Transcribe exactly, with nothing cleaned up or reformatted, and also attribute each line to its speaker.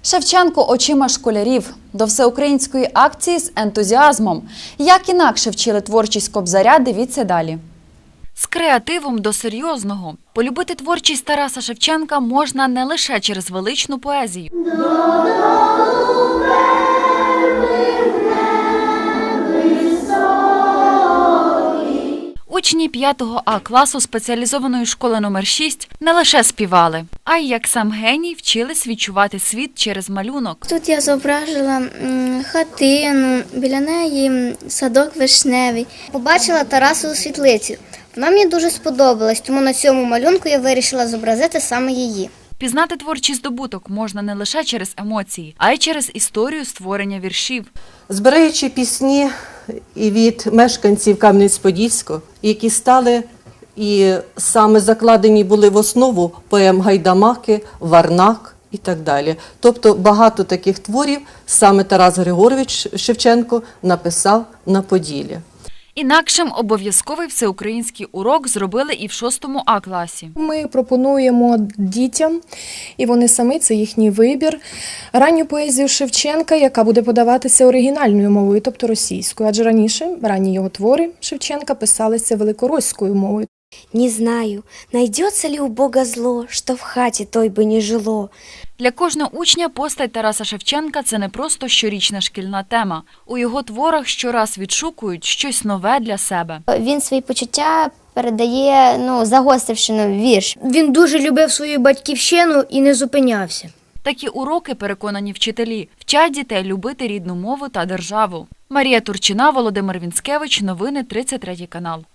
Speaker 1: Шевченко очима школярів. До всеукраїнської акції з ентузіазмом. Як інакше вчили творчість Кобзаря, дивіться далі. З креативом до серйозного. Полюбити творчість Тараса Шевченка можна не лише через величну поезію. Учні п'ятого А класу спеціалізованої школи номер шість не лише співали, а й, як сам геній, вчились відчувати світ через малюнок.
Speaker 2: Тут я зображила хатину, біля неї садок вишневий. Побачила Тарасову світлицю. Вона мені дуже сподобалась, тому на цьому малюнку я вирішила зобразити саме її.
Speaker 1: Пізнати творчий здобуток можна не лише через емоції, а й через історію створення віршів.
Speaker 3: Збираючи пісні і від мешканців Кам'янець-Подільського, які стали і саме закладені були в основу поем Гайдамаки, Варнак і так далі. Тобто багато таких творів саме Тарас Григорович Шевченко написав на Поділлі.
Speaker 1: Інакшим обов'язковий всеукраїнський урок зробили і в шостому А класі.
Speaker 4: Ми пропонуємо дітям, і вони самі, це їхній вибір, ранню поезію Шевченка, яка буде подаватися оригінальною мовою, тобто російською. Адже раніше ранні його твори Шевченка писалися великоруською мовою.
Speaker 5: Не знаю, найдется ли у Бога зло, что в хате той бы не жило.
Speaker 1: Для кожного учня постать Тараса Шевченка – це не просто щорічна шкільна тема. У його творах щораз відшукують щось нове для себе.
Speaker 2: Він свої почуття передає, ну, загостривши на вірш.
Speaker 6: Він дуже любив свою батьківщину і не зупинявся.
Speaker 1: Такі уроки, переконані вчителі, вчать дітей любити рідну мову та державу. Марія Турчина, Володимир Вінськевич. Новини тридцять третій канал.